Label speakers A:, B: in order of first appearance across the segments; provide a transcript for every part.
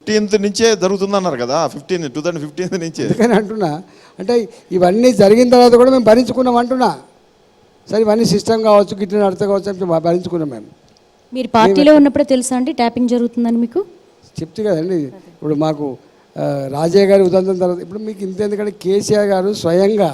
A: 15th నుంచే జరుగుతుందన్నారు కదా, 2015 నుంచే.
B: అందుకని అంటున్నా, అంటే ఇవన్నీ జరిగిన తర్వాత కూడా మేము భరించుకున్నాం అంటున్నా. సరే ఇవన్నీ సిస్టమ్ కావచ్చు, గిట్ల నడత కావచ్చు అంటే భరించుకున్నాం మేము.
C: మీరు పార్టీలో ఉన్నప్పుడే తెలుసా అండి ట్యాపింగ్ జరుగుతుందని మీకు?
B: చెప్తే కదండి, ఇప్పుడు మాకు రాజయ్య గారి ఉదంతం తర్వాత ఇప్పుడు మీకు ఇంత, ఎందుకంటే కేసీఆర్ గారు స్వయంగా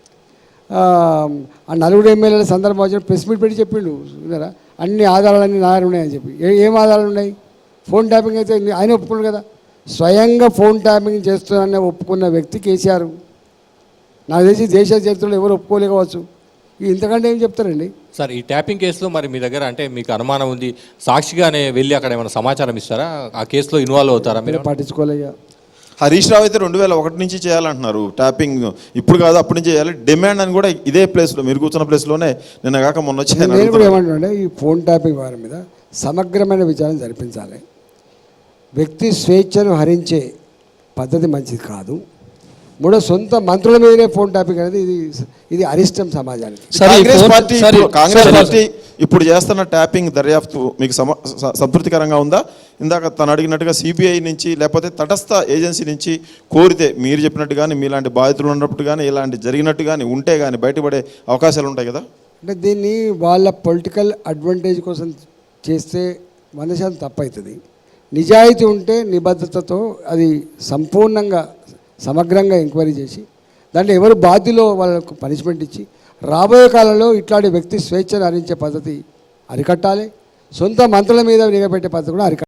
B: ఆ నలుగురు ఎమ్మెల్యేల సందర్భం వచ్చిన ప్రెస్ మీట్ పెట్టి చెప్పిండు విన్నారా, అన్ని ఆధారాలన్నీ నా దగ్గర ఉన్నాయని చెప్పి. ఏం ఆధారాలు ఉన్నాయి? ఫోన్ ట్యాపింగ్ అయితే ఆయన ఒప్పుకున్నాడు కదా, స్వయంగా ఫోన్ ట్యాపింగ్ చేస్తున్నానని ఒప్పుకున్న వ్యక్తి కేసీఆర్. నాకు తెలిసి దేశ చరిత్రలో ఎవరు ఒప్పుకోలేకపోవచ్చు. ఇంతకంటే ఏం చెప్తారండి
D: సార్? ఈ ట్యాపింగ్ కేసులో మరి మీ దగ్గర అంటే మీకు అనుమానం ఉంది, సాక్షిగానే వెళ్ళి అక్కడ ఏమైనా సమాచారం ఇస్తారా? ఆ కేసులో ఇన్వాల్వ్ అవుతారా మీరు?
B: పట్టించుకోలేక
A: హరీష్ రావు అయితే 2001 నుంచి చేయాలంటున్నారు ట్యాపింగ్, ఇప్పుడు కాదు అప్పటి నుంచి చేయాలి డిమాండ్ అని కూడా ఇదే ప్లేస్లో, మీరు కూర్చున్న ప్లేస్లోనే నిన్న కాక మొన్న వచ్చి
B: నేను కూడా ఏమంటున్నా, ఈ ఫోన్ ట్యాపింగ్ వారి మీద సమగ్రమైన విచారణ జరిపించాలి. వ్యక్తి స్వేచ్ఛను హరించే పద్ధతి మంచిది కాదు. మూడో, సొంత మంత్రుల మీదనే ఫోన్ ట్యాపింగ్ అనేది ఇది అరిష్టం సమాజానికి.
A: కాంగ్రెస్ పార్టీ ఇప్పుడు చేస్తున్న ట్యాపింగ్ దర్యాప్తు మీకు సంతృప్తికరంగా ఉందా? ఇందాక తను అడిగినట్టుగా సిబిఐ నుంచి లేకపోతే తటస్థ ఏజెన్సీ నుంచి కోరితే, మీరు చెప్పినట్టు కానీ మీలాంటి బాధితులు ఉన్నప్పుడు కానీ ఇలాంటి జరిగినట్టు కానీ ఉంటే కానీ బయటపడే అవకాశాలు ఉంటాయి కదా?
B: అంటే దీన్ని వాళ్ళ పొలిటికల్ అడ్వాంటేజ్ కోసం చేస్తే 100% తప్పవుతుంది. నిజాయితీ ఉంటే నిబద్ధతతో అది సంపూర్ణంగా సమగ్రంగా ఎంక్వైరీ చేసి దాంట్లో ఎవరు బాధ్యులో వాళ్ళకు పనిష్మెంట్ ఇచ్చి రాబోయే కాలంలో ఇట్లాంటి వ్యక్తి స్వేచ్ఛను హరించే పద్ధతి అరికట్టాలి. సొంత మంత్రుల మీద నిఘా పెట్టే పద్ధతి కూడా అరికట్టాలి.